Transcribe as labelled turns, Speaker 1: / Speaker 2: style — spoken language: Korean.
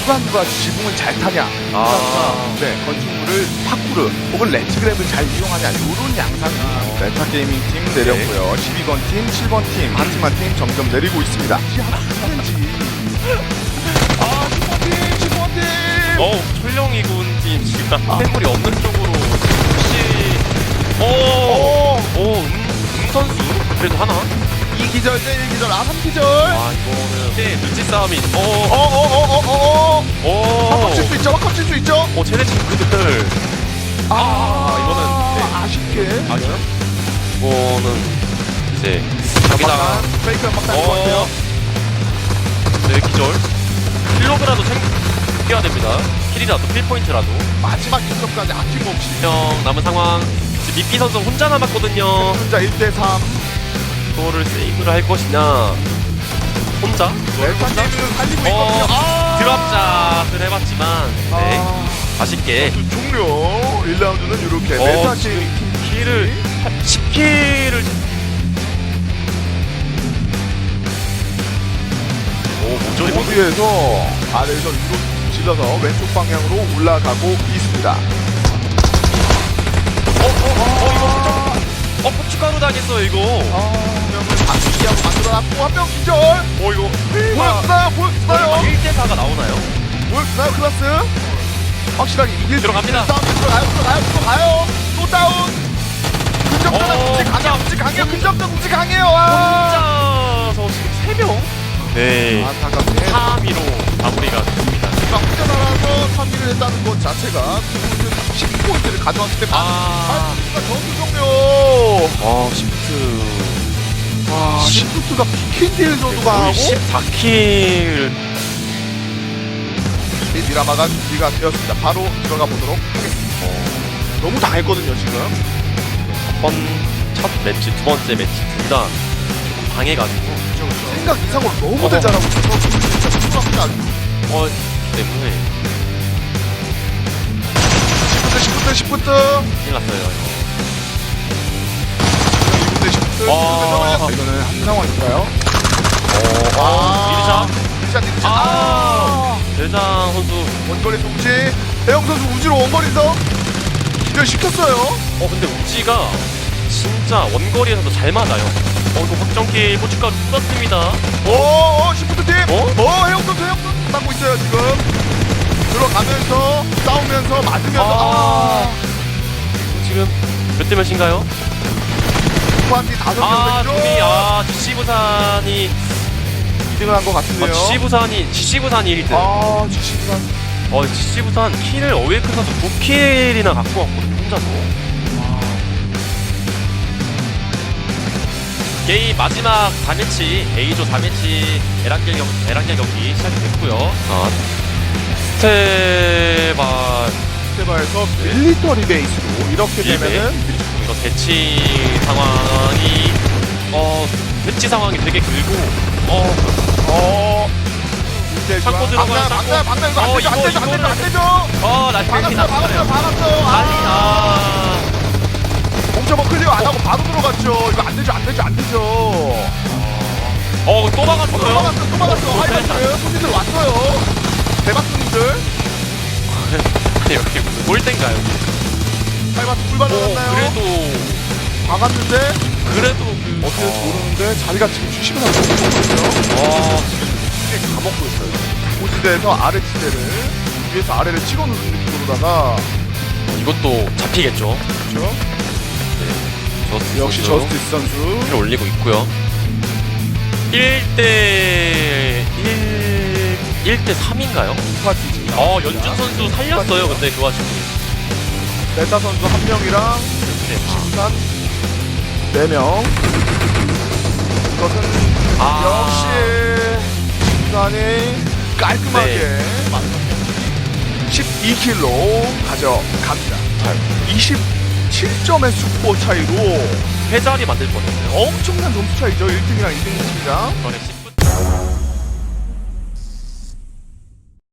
Speaker 1: 누가 지붕을 잘 타냐, 네, 건축물을 파쿠르 혹은 렌즈그랩을 잘 이용하냐 이런 양상이 메타 게이밍 팀 내렸고요. 12번 팀, 7번 팀, 한 팀 한 팀 점점 내리고 있습니다. 아, 10번 팀, 10번 팀.
Speaker 2: 철령이군 팀 지금 해물이 없는 쪽으로 혹시 선수 그래도 하나?
Speaker 1: 2기절 대 1기절, 3기절.
Speaker 2: 이거는 눈치 싸움이
Speaker 1: 칠 수 있죠, 칠 수 있죠.
Speaker 2: 쟤네 친구들 이거는 네.
Speaker 1: 아쉽게.
Speaker 2: 이거는 이제 여기다가
Speaker 1: 페이크 연막 당긴 것 같아요.
Speaker 2: 네, 기절 킬로그라도 챙겨야 됩니다. 킬이라도 킬포인트라도
Speaker 1: 마지막 인석까지 아낌없이.
Speaker 2: 남은 상황 지금 미피 선수 혼자 남았거든요.
Speaker 1: 혼자 1대3.
Speaker 2: 이거를 세이브를 할 것이냐 혼자?
Speaker 1: 멜타님은 살리고 있거든요.
Speaker 2: 드랍작을 해봤지만 네 아쉽게
Speaker 1: 종료. 1라운드는 이렇게 멜타
Speaker 2: 지금 킬을 10킬을 뭐죠 이거?
Speaker 1: 모두에서 아래에서 위로 질러서 왼쪽 방향으로 올라가고 있습니다.
Speaker 2: 이거 고춧가루 당했어요 이거.
Speaker 1: 한 명을 바꾸기하고 만들어놨고 한 명 기절.
Speaker 2: 이거
Speaker 1: 보여주나요?
Speaker 2: 1대4가 나오나요?
Speaker 1: 보여주나요 클라스? 확실하게 이길 수
Speaker 2: 들어갑니다.
Speaker 1: 있는 싸움. 들어가요. 또 다운. 근접전 움직 강해요. 근접전 움직 강해요.
Speaker 2: 혼자서 지금 3명? 네.
Speaker 1: 안타깝게
Speaker 2: 3위로 마무리가 됩니다.
Speaker 1: 혼자 나가서 3위를 했다는 것 자체가 10포인트를 가져왔을 때 전투 종료.
Speaker 2: 시프트.
Speaker 1: 시프트가 비킨딜 정도가 하고
Speaker 2: 14킬.
Speaker 1: 미라마가 준비가 되었습니다. 바로 들어가 보도록 하겠습니다. 너무 당했거든요 지금.
Speaker 2: 첫 매치, 두 번째 매치 둘 다 방해가지고
Speaker 1: 생각 이상으로 너무 잘하고 있어서 진짜 궁금합니다.
Speaker 2: 때문에
Speaker 1: 10부터
Speaker 2: 큰일 났어요.
Speaker 1: 2부터 10부터 이거는 한 상황인가요?
Speaker 2: 대장 선수
Speaker 1: 원거리 동지 대형 선수 우지로 원거리에서 기절시켰어요.
Speaker 2: 근데 우지가 진짜 원거리에서도 잘 맞아요. 이거 확정킬 고춧가루 쏟았습니다.
Speaker 1: 시프트 팀. 해영 선수 맞고 있어요 지금. 들어가면서 싸우면서 맞으면서
Speaker 2: 지금 몇 대 몇인가요?
Speaker 1: 후반기 5명
Speaker 2: 둘이 GC 부산이
Speaker 1: 2등을 한 것 같은데요.
Speaker 2: GC 부산이 1등.
Speaker 1: GC 부산.
Speaker 2: GC 부산 킬을 어웨이큰 선수 9킬이나 갖고 왔거든요 혼자서. 게임 마지막 4매치 A조 4매치 에란겔 경기 시작이 됐고요.
Speaker 1: 스테바에서 밀리터리 베이스로 이렇게 되면은
Speaker 2: 이런 대치 상황이 되게 길고 창고 들어가요.
Speaker 1: 방금 이거 안 되죠.
Speaker 2: 나이스.
Speaker 1: 공점어 클리어 안 하고 바로 들어갔죠. 이거 안 되죠.
Speaker 2: 또 막았어요.
Speaker 1: 하이바이크 손님들 왔어요. 대박 손님들.
Speaker 2: 여기 무슨 골대인가요?
Speaker 1: 하이바이크 불 받았나요?
Speaker 2: 그래도
Speaker 1: 박았는데
Speaker 2: 그래도
Speaker 1: 어떻게 모르는데 자리가 지금 주시면 안 되거든요. 이게 가먹고 있어요. 고지대에서 아래 지대를 위에서 아래를 찍어 누르는 느낌으로다가
Speaker 2: 이것도 잡히겠죠.
Speaker 1: 그렇죠.
Speaker 2: 네,
Speaker 1: 역시 저스티스 선수
Speaker 2: 를 올리고 있고요. 1대 3인가요?
Speaker 1: 파티지.
Speaker 2: 연준 선수 살렸어요. 근데 그 와중에
Speaker 1: 메타 선수 1명이랑 부산 4명. 이것은 역시 부산이 깔끔하게 12킬로 가져갑니다. 27점의 슈퍼 차이로
Speaker 2: 회자리 만들 뻔했어요.
Speaker 1: 엄청난 점수 차이죠. 1등이랑 2등 팀이랑.
Speaker 2: 이번에